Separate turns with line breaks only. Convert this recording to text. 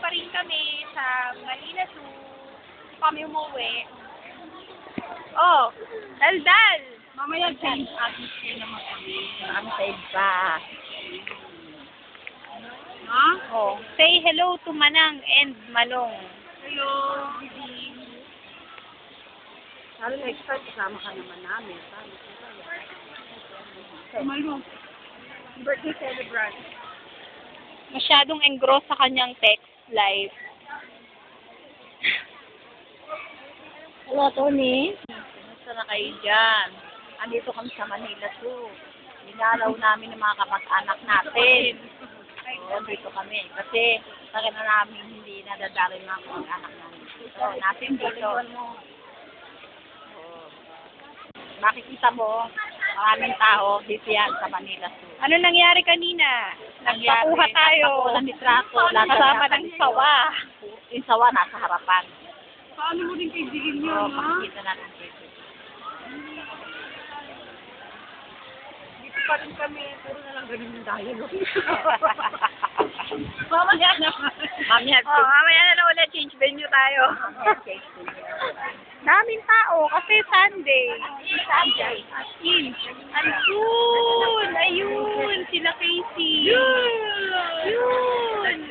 pa rin kami sa Manila Zoo. Kami umuwi. Oh, daldal!
Mamaya change atmosphere naman kami.
Ang side pa.
Ha?
Oh, say hello to Manang and Malong.
Hello, Bibi.
Sabi next time, kasama ka naman namin.
Malo. Birthday celebrant.
Masyadong engross sa kanyang text life.
Hello, Tony. Kumusta na kayo dyan? Andito kami sa Manila Zoo. Dinalaw namin ng mga kapag-anak natin. Oo, dito kami. Kasi sakit na namin hindi nadadali ng mga kapag-anak namin. So, natin dito. Oo. Makikita mo, maraming tao dito yan sa Manila Zoo.
Ano nangyari kanina? Nagpakuha tayo.
Walang litrato.
Kasama ng sawa.
Yung sawa nasa harapan.
Paano mo din kaibigan yun,
Oo,
ha?
makikita natin dito.
Dito pa rin kami. Puro na lang ganun yung dialogue. Mamaya naman.
Mamaya,
Oh, mamaya na lang ulit change venue tayo. Daming tao kasi Sunday.
Sunday.
Ayun! Ayun! Sila Casey. Yun!